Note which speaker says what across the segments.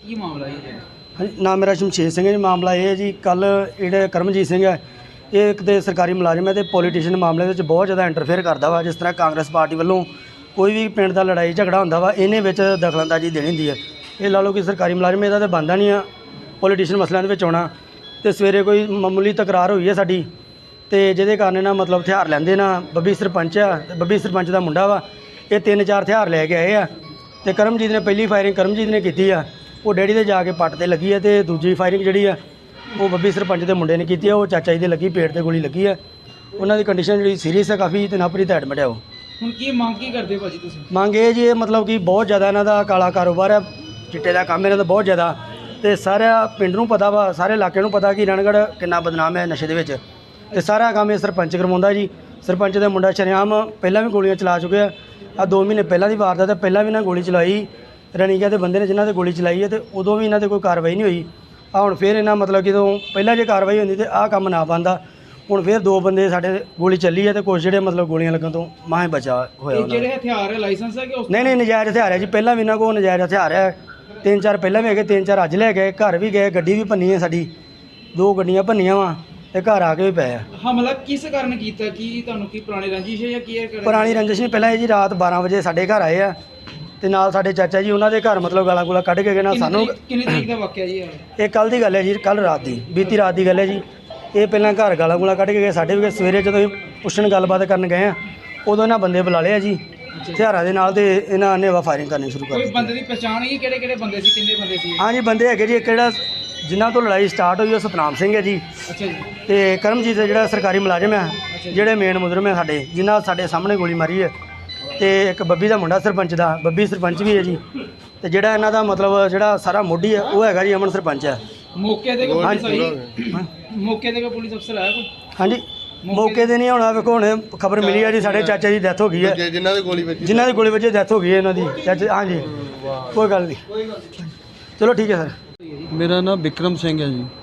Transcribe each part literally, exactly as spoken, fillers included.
Speaker 1: ਕੀ ਮਾਮਲਾ ਹੈ ਜੀ?
Speaker 2: ਹਾਂਜੀ, ਨਾਮ ਮੇਰਾ ਸ਼ਮਸ਼ੇਰ ਸਿੰਘ ਹੈ ਜੀ। ਮਾਮਲਾ ਇਹ ਹੈ ਜੀ, ਕੱਲ ਜਿਹੜੇ ਕਰਮਜੀਤ ਸਿੰਘ ਹੈ, ਇਹ ਇੱਕ ਤੇ ਸਰਕਾਰੀ ਮੁਲਾਜ਼ਮ ਹੈ ਤੇ ਪੋਲੀਟੀਸ਼ੀਅਨ ਮਾਮਲੇ ਵਿੱਚ ਬਹੁਤ ਜ਼ਿਆਦਾ ਇੰਟਰਫੇਅਰ ਕਰਦਾ ਵਾ। ਜਿਸ ਤਰ੍ਹਾਂ ਕਾਂਗਰਸ ਪਾਰਟੀ ਵੱਲੋਂ ਕੋਈ ਵੀ ਪਿੰਡ ਦਾ ਲੜਾਈ ਝਗੜਾ ਹੁੰਦਾ ਵਾ, ਇਹਨੇ ਵਿੱਚ ਦਖਲਅੰਦਾਜ਼ੀ ਦੇਣੀ ਹੁੰਦੀ ਹੈ। ਇਹ ਲਾ ਲਓ ਕਿ ਸਰਕਾਰੀ ਮੁਲਾਜ਼ਮ, ਇਹਦਾ ਤਾਂ ਬਣਦਾ ਨਹੀਂ ਆ ਪੋਲੀਟੀਸ਼ੀਅਨ ਮਸਲਿਆਂ ਦੇ ਵਿੱਚ ਆਉਣਾ। ਤੇ ਸਵੇਰੇ ਕੋਈ ਮਾਮੂਲੀ ਤਕਰਾਰ ਹੋਈ ਹੈ ਸਾਡੀ, ਤੇ ਜਿਹਦੇ ਕਾਰਨ ਨਾ ਮਤਲਬ ਹਥਿਆਰ ਲੈਂਦੇ ਨਾ। ਬੱਬੀ ਸਰਪੰਚ ਆ, ਤੇ ਬੱਬੀ ਸਰਪੰਚ ਦਾ ਮੁੰਡਾ ਵਾ, ਇਹ ਤਿੰਨ ਚਾਰ ਹਥਿਆਰ ਲੈ ਕੇ ਆਏ ਆ। ਤੇ ਕਰਮਜੀਤ ਨੇ ਪਹਿਲੀ ਫਾਇਰਿੰਗ ਕਰਮਜੀਤ ਨੇ ਕੀਤੀ ਆ, ਉਹ ਡੈਡੀ ਦੇ ਜਾ ਕੇ ਪੱਟ ਤੇ ਲੱਗੀ ਹੈ। ਤੇ ਦੂਜੀ ਫਾਇਰਿੰਗ ਜਿਹੜੀ ਆ ਉਹ ਬੱਬੀ ਸਰਪੰਚ ਦੇ ਮੁੰਡੇ ਨੇ ਕੀਤੀ ਆ, ਉਹ ਚਾਚਾ ਜੀ ਦੇ ਲੱਗੀ, ਪੇਟ ਤੇ ਗੋਲੀ ਲੱਗੀ ਆ। ਉਹਨਾਂ ਦੀ ਕੰਡੀਸ਼ਨ ਜਿਹੜੀ ਸੀਰੀਅਸ ਹੈ ਕਾਫੀ, ਤੇ ਨਾਭਰੀ ਤੇ ਐਡਮਿਟ ਹੈ ਉਹ।
Speaker 1: ਹੁਣ ਕੀ ਮੰਗ ਕੀ ਕਰਦੇ ਭਾਜੀ ਤੁਸੀਂ?
Speaker 2: ਮੰਗ ਇਹ ਜੀ, ਇਹ ਮਤਲਬ ਕਿ ਬਹੁਤ ਜ਼ਿਆਦਾ ਇਹਨਾਂ ਦਾ ਕਾਲਾ ਕਾਰੋਬਾਰ ਹੈ, ਚਿੱਟੇ ਦਾ ਕੰਮ ਇਹਨਾਂ ਦਾ ਬਹੁਤ ਜ਼ਿਆਦਾ। ਤੇ ਸਾਰਾ ਪਿੰਡ ਨੂੰ ਪਤਾ ਵਾ, ਸਾਰੇ ਇਲਾਕੇ ਨੂੰ ਪਤਾ ਕਿ ਰਣਗੜ੍ਹ ਕਿੰਨਾ ਬਦਨਾਮ ਹੈ ਨਸ਼ੇ ਦੇ ਵਿੱਚ। ਤੇ ਸਾਰਾ ਕੰਮ ਇਹ ਸਰਪੰਚ ਕਰਵਾਉਂਦਾ ਜੀ। ਸਰਪੰਚ ਦਾ ਮੁੰਡਾ ਸ਼ਰੇਆਮ ਪਹਿਲਾਂ ਵੀ ਗੋਲੀਆਂ ਚਲਾ ਚੁੱਕਿਆ। ਆ ਦੋ ਮਹੀਨੇ ਪਹਿਲਾਂ ਦੀ ਵਾਰਦਾਤ ਹੈ, ਪਹਿਲਾਂ ਵੀ ਇਹਨਾਂ ਗੋਲੀ ਚਲਾਈ ਰਣੀਗਾ ਦੇ ਬੰਦੇ ਨੇ ਜਿਨ੍ਹਾਂ 'ਤੇ ਗੋਲੀ ਚਲਾਈ ਹੈ, ਤੇ ਉਦੋਂ ਵੀ ਇਹਨਾਂ 'ਤੇ ਕੋਈ ਕਾਰਵਾਈ ਨਹੀਂ ਹੋਈ। ਆ ਹੁਣ ਫਿਰ ਇਹਨਾਂ ਮਤਲਬ ਕਿ ਜਦੋਂ ਪਹਿਲਾਂ ਜੇ ਕਾਰਵਾਈ ਹੁੰਦੀ ਤੇ ਆਹ ਕੰਮ ਨਾ ਬਣਦਾ। ਹੁਣ ਫਿਰ ਦੋ ਬੰਦੇ ਸਾਡੇ ਗੋਲੀ ਚੱਲੀ ਹੈ, ਤੇ ਕੁਛ ਜਿਹੜੇ ਮਤਲਬ ਗੋਲੀਆਂ ਲੱਗਣ ਤੋਂ ਮਾਹੇ ਬਚਾ ਹੋਇਆ।
Speaker 1: ਇਹ ਜਿਹੜੇ ਹਥਿਆਰ ਹੈ ਲਾਇਸੈਂਸ ਹੈ ਕਿ ਉਸ
Speaker 2: ਨਹੀਂ ਨਹੀਂ ਨਜਾਇਜ਼ ਹਥਿਆਰ ਹੈ ਜੀ। ਪਹਿਲਾਂ ਵੀ ਇਹਨਾਂ ਕੋਲ ਨਜਾਇਜ਼ ਹਥਿਆਰ ਹੈ, ਤਿੰਨ ਚਾਰ ਪਹਿਲਾਂ ਵੀ ਹੈਗੇ, ਤਿੰਨ ਚਾਰ ਅੱਜ ਲੈ ਗਏ, ਘਰ ਵੀ ਗਏ, ਗੱਡੀ ਵੀ ਭੰਨੀ ਹੈ ਸਾਡੀ, ਦੋ ਗੱਡੀਆਂ ਭੰਨੀਆਂ ਵਾ, ਤੇ ਘਰ ਆ ਕੇ ਵੀ ਪਏ ਆ।
Speaker 1: ਹਮਲਾ ਕਿਸ ਕਾਰਨ ਕੀਤਾ? ਕੀ ਤੁਹਾਨੂੰ ਕੀ ਪੁਰਾਣੀ ਰੰਜਿਸ਼ ਹੈ ਜਾਂ ਕੀ ਹੈ?
Speaker 2: ਪੁਰਾਣੀ ਰੰਜਿਸ਼ ਨਹੀਂ, ਪਹਿਲਾਂ ਇਹ ਜੀ ਰਾਤ ਬਾਰਾਂ ਵਜੇ ਸਾਡੇ ਘਰ ਆਏ ਆ, ਤੇ ਨਾਲ ਸਾਡੇ ਚਾਚਾ ਜੀ ਉਹਨਾਂ ਦੇ ਘਰ ਮਤਲਬ ਗਾਲਾਂ ਗੂਲਾ ਕੱਢ ਕੇ ਗਏ ਨਾ ਸਾਨੂੰ।
Speaker 1: ਕਿੰਨੀ ਤਰੀਕ ਦਾ ਵਾਕਿਆ ਜੀ ਇਹ?
Speaker 2: ਇਹ ਕੱਲ੍ਹ ਦੀ ਗੱਲ ਹੈ ਜੀ, ਕੱਲ੍ਹ ਰਾਤ ਦੀ, ਬੀਤੀ ਰਾਤ ਦੀ ਗੱਲ ਹੈ ਜੀ। ਇਹ ਪਹਿਲਾਂ ਘਰ ਗਾਲਾਂ ਗੂਲਾ ਕੱਢ ਕੇ ਗਏ, ਸਾਡੇ ਵੀ ਗਏ। ਸਵੇਰੇ ਜਦੋਂ ਅਸੀਂ ਪੁੱਛਣ ਗੱਲਬਾਤ ਕਰਨ ਗਏ ਆ, ਉਦੋਂ ਇਹਨਾਂ ਬੰਦੇ ਬੁਲਾ ਲਿਆ ਜੀ ਹਥਿਆਰਾਂ ਦੇ ਨਾਲ, ਤੇ ਇਹਨਾਂ ਨੇ ਵਾ ਫਾਇਰਿੰਗ ਕਰਨੀ ਸ਼ੁਰੂ ਕਰ
Speaker 1: ਕੋਈ
Speaker 2: ਦਿੱਤੀ।
Speaker 1: ਬੰਦੇ ਦੀ ਪਛਾਣ ਹੈ ਕਿਹੜੇ ਕਿਹੜੇ ਬੰਦੇ ਸੀ? ਕਿੰਨੇ ਬੰਦੇ ਸੀ?
Speaker 2: ਹਾਂਜੀ, ਬੰਦੇ ਹੈਗੇ ਜੀ। ਇੱਕ ਜਿਹੜਾ ਜਿਨ੍ਹਾਂ ਤੋਂ ਲੜਾਈ ਸਟਾਰਟ ਹੋਈ ਉਹ ਸਤਨਾਮ ਸਿੰਘ ਹੈ ਜੀ,
Speaker 1: ਅੱਛਾ ਜੀ।
Speaker 2: ਤੇ ਕਰਮਜੀਤ ਜਿਹੜਾ ਸਰਕਾਰੀ ਮੁਲਾਜ਼ਮ ਹੈ, ਜਿਹੜੇ ਮੇਨ ਮੁਜਰਮ ਹੈ ਸਾਡੇ, ਜਿਨ੍ਹਾਂ ਸਾਡੇ ਸਾਹਮਣੇ ਗੋਲੀ ਮਾਰੀ ਹੈ। ਤੇ ਇੱਕ ਬੱਬੀ ਦਾ ਮੁੰਡਾ ਸਰਪੰਚ ਦਾ, ਬੱਬੀ ਸਰਪੰਚ ਵੀ ਹੈ ਜੀ। ਤੇ ਜਿਹੜਾ ਇਹਨਾਂ ਦਾ ਮਤਲਬ ਜਿਹੜਾ ਸਾਰਾ ਮੋਢੀ ਹੈ ਉਹ ਹੈਗਾ ਜੀ ਅਮਨ ਸਰਪੰਚ ਹੈ।
Speaker 1: ਮੌਕੇ ਤੇ ਕੋਈ ਪੁਲਿਸ ਆਈ? ਮੌਕੇ ਤੇ ਕੋਈ ਪੁਲਿਸ ਅਫਸਰ ਆਇਆ ਕੋਈ?
Speaker 2: ਹਾਂਜੀ, ਮੌਕੇ ਤੇ ਨਹੀਂ ਆਉਣਾ। ਵੇਖੋ ਹੁਣ ਖਬਰ ਮਿਲੀ ਹੈ ਜੀ, ਸਾਡੇ ਚਾਚਾ ਜੀ ਦੀ ਡੈਥ ਹੋ ਗਈ ਹੈ,
Speaker 3: ਜਿਨ੍ਹਾਂ ਦੀ ਗੋਲੀ ਵੱਜੀ
Speaker 2: ਜਿਨ੍ਹਾਂ ਦੀ ਗੋਲੀ ਵੱਜੀ ਡੈਥ ਹੋ ਗਈ ਹੈ ਇਹਨਾਂ ਦੀ ਚਾਚਾ। ਹਾਂਜੀ, ਕੋਈ ਗੱਲ ਨਹੀਂ, ਚਲੋ ਠੀਕ ਹੈ ਸਰ।
Speaker 4: ਮੇਰਾ ਨਾਮ ਵਿਕਰਮ ਸਿੰਘ ਹੈ ਜੀ।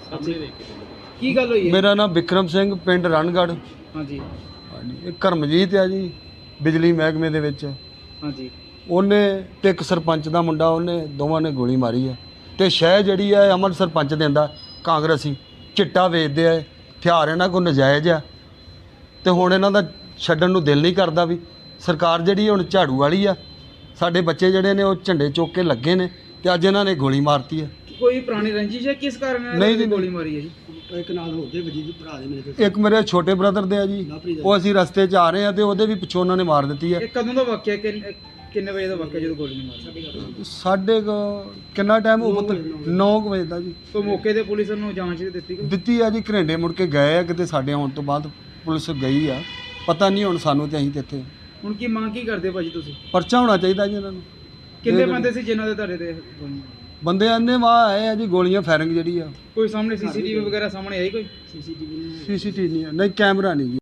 Speaker 1: ਕੀ ਗੱਲ ਹੋਈ ਹੈ?
Speaker 4: ਮੇਰਾ ਨਾਮ ਵਿਕਰਮ ਸਿੰਘ, ਪਿੰਡ ਰਣਗੜ੍ਹ।
Speaker 1: ਹਾਂਜੀ
Speaker 4: ਹਾਂਜੀ, ਇਹ ਕਰਮਜੀਤ ਆ ਜੀ, ਬਿਜਲੀ ਮਹਿਕਮੇ ਦੇ ਵਿੱਚ।
Speaker 1: ਹਾਂਜੀ।
Speaker 4: ਉਹਨੇ ਤੇ ਇੱਕ ਸਰਪੰਚ ਦਾ ਮੁੰਡਾ, ਉਹਨੇ ਦੋਵਾਂ ਨੇ ਗੋਲੀ ਮਾਰੀ ਹੈ। ਤੇ ਸ਼ਹਿ ਜਿਹੜੀ ਹੈ ਅਮਨ ਸਰਪੰਚ ਦਿੰਦਾ, ਕਾਂਗਰਸੀ ਚਿੱਟਾ ਵੇਚਦੇ ਆ, ਹਥਿਆਰ ਇਹਨਾਂ ਕੋਲ ਨਜਾਇਜ਼ ਆ। ਤੇ ਹੁਣ ਇਹਨਾਂ ਦਾ ਛੱਡਣ ਨੂੰ ਦਿਲ ਨਹੀਂ ਕਰਦਾ। ਵੀ ਸਰਕਾਰ ਜਿਹੜੀ ਹੁਣ ਝਾੜੂ ਵਾਲੀ ਆ, ਸਾਡੇ ਬੱਚੇ ਜਿਹੜੇ ਨੇ ਉਹ ਝੰਡੇ ਚੁੱਕ ਕੇ ਲੱਗੇ ਨੇ, ਤੇ ਅੱਜ ਇਹਨਾਂ ਨੇ ਗੋਲੀ ਮਾਰਤੀ ਹੈ।
Speaker 1: ਕੋਈ ਪੁਰਾਣੀ ਰੰਜਿਸ਼ ਹੈ? ਕਿਸ ਕਾਰਨ ਇਹਨਾਂ
Speaker 4: ਨਹੀਂ
Speaker 1: ਨੇ
Speaker 4: ਜੀ,
Speaker 1: ਗੋਲੀ ਮਾਰੀ ਹੈ ਜੀ?
Speaker 2: ਇੱਕ ਨਾਲ ਹੋਰ ਦੇ ਵਜੀ ਭਰਾ ਦੇ ਮੇਰੇ
Speaker 4: ਇੱਕ ਮੇਰੇ ਛੋਟੇ ਬ੍ਰਦਰ ਦੇ ਆ ਜੀ, ਉਹ ਅਸੀਂ ਰਸਤੇ 'ਚ ਆ ਰਹੇ ਆ, ਤੇ ਉਹਦੇ ਵੀ ਪਿੱਛੋਂ ਉਹਨਾਂ ਨੇ ਮਾਰ ਦਿੱਤੀ ਹੈ।
Speaker 1: ਇਹ ਕਦੋਂ ਦਾ ਵਾਕਿਆ? ਕਿੰਨ- ਕਿੰਨੇ ਵਜੇ ਦਾ ਵਾਕਿਆ ਜਦੋਂ ਗੋਲੀ ਮਾਰੀ?
Speaker 4: ਸਾਢੇ ਕੁ ਕਿੰਨਾ ਟਾਈਮ ਉਹ ਨੌ ਕੁ ਵਜੇ ਦਾ ਜੀ।
Speaker 1: ਕੋਈ ਮੌਕੇ ਤੇ ਪੁਲਿਸ ਨੂੰ ਜਾਂਚ ਦਿੱਤੀ ਕੋਈ?
Speaker 4: ਦਿੱਤੀ ਆ ਜੀ, ਘਰੇਂਡੇ ਮੁੜ ਕੇ ਗਏ ਆ ਕਿਤੇ, ਸਾਡੇ ਆਉਣ ਤੋਂ ਬਾਅਦ ਪੁਲਿਸ ਗਈ ਆ, ਪਤਾ ਨਹੀਂ ਹੁਣ ਸਾਨੂੰ, ਤੇ ਅਸੀਂ ਤੇ ਇੱਥੇ।
Speaker 1: ਹੁਣ ਕੀ ਮੰਗ ਕੀ ਕਰਦੇ ਭਾਜੀ ਤੁਸੀਂ?
Speaker 4: ਪਰਚਾ ਹੋਣਾ ਚਾਹੀਦਾ ਜੀ ਇਹਨਾਂ ਨੂੰ।
Speaker 1: ਕਿੰਨੇ ਬੰਦੇ ਸੀ ਜਿਨ੍ਹਾਂ ਦੇ ਤੁਹਾਡੇ ਤੇ ਗੋਲੀ ਮਾਰੀ?
Speaker 4: ਬੰਦੇ ਆਨੇ ਵਾਹ ਆਏ ਆ ਜੀ, ਗੋਲੀਆਂ ਫਾਇਰਿੰਗ ਜਿਹੜੀ ਆ।
Speaker 1: ਕੋਈ ਸਾਹਮਣੇ ਸੀਸੀਟੀਵੀ ਵਗੈਰਾ ਸਾਹਮਣੇ ਆਈ ਕੋਈ?
Speaker 4: ਸੀਸੀਟੀਵੀ ਨਹੀਂ, ਨਹੀਂ ਕੈਮਰਾ ਨਹੀਂ ਜੀ।